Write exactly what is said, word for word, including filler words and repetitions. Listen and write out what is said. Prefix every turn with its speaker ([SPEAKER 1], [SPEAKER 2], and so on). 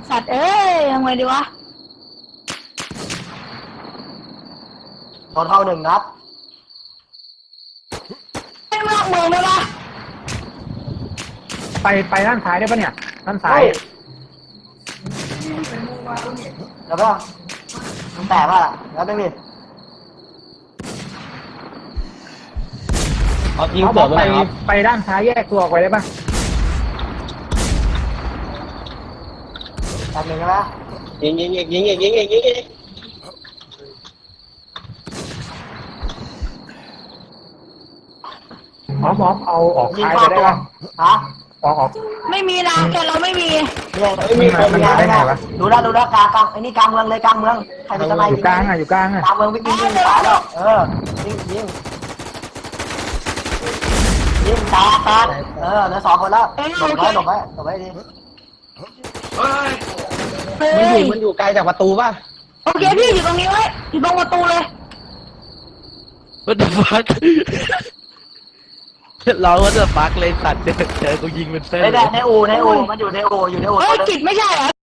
[SPEAKER 1] สัตว์เอ้ยทำไงดีวะ
[SPEAKER 2] โทรเท่าหนึ่งนัด
[SPEAKER 1] ไม่นอกเมืองได้ปะ
[SPEAKER 3] ไปไปด้านซ้ายได้ปะเนี่ยด้านซ้าย
[SPEAKER 2] แล้วก็มันแตกป่ะแล้วไม่มี
[SPEAKER 4] เอายิง
[SPEAKER 3] เขาบ
[SPEAKER 4] เสื
[SPEAKER 3] อ
[SPEAKER 4] อก ไป
[SPEAKER 3] ไป
[SPEAKER 4] ไหนครับ
[SPEAKER 3] ไปด้านซ้ายแยกตัวออกไปได้ปะ
[SPEAKER 2] แตกหนึ่งใช่ไหม
[SPEAKER 4] ยิงยิงยิงยิงยิงยิงยิงยิงยิง
[SPEAKER 3] อ๋อมอมเอาออก
[SPEAKER 2] ยิง
[SPEAKER 3] ซ้าย
[SPEAKER 2] เข้า
[SPEAKER 3] ไปได้
[SPEAKER 2] ตัว
[SPEAKER 3] ปะ
[SPEAKER 2] ฮะ
[SPEAKER 3] ออกออก
[SPEAKER 1] ไม่มีนะแกเราไม่มี
[SPEAKER 2] เนี่ย
[SPEAKER 4] ไม่มีคน
[SPEAKER 3] มันมาได้ไงวะ
[SPEAKER 2] ดูแลดูแลกลางกลางไอ้นี่กลางเมืองเลยกลางเมืองใครเป็นทนาย
[SPEAKER 3] อยู่กลางอ่ะอยู่กลางอ่ะ
[SPEAKER 2] กลางเมืองวิ่งวิ่งวิ่งขวาแล้วเออยิงยิงยิงตาตาเออเหลือสองคนแล้วหลบไว้หลบไว้หลบไว้ดิ
[SPEAKER 1] เฮ้
[SPEAKER 4] มันอยู่
[SPEAKER 1] ย
[SPEAKER 4] มันอยู่ไกลจากประตูป่ะ
[SPEAKER 1] โอเคพี่อยู่ตรงนี้ไว้อยู่ตรงประตูเลย
[SPEAKER 5] What the fuck ร้อง What the fuck เลยสัตว์เจอเจอกูยิงเป็นเส้น
[SPEAKER 2] ไอ้
[SPEAKER 5] เล
[SPEAKER 2] แด
[SPEAKER 5] ย
[SPEAKER 2] ในอูในอูมันอยู่ในอูอยู่ในอู
[SPEAKER 1] เฮ้ยกิจไม่ใช่เหรอ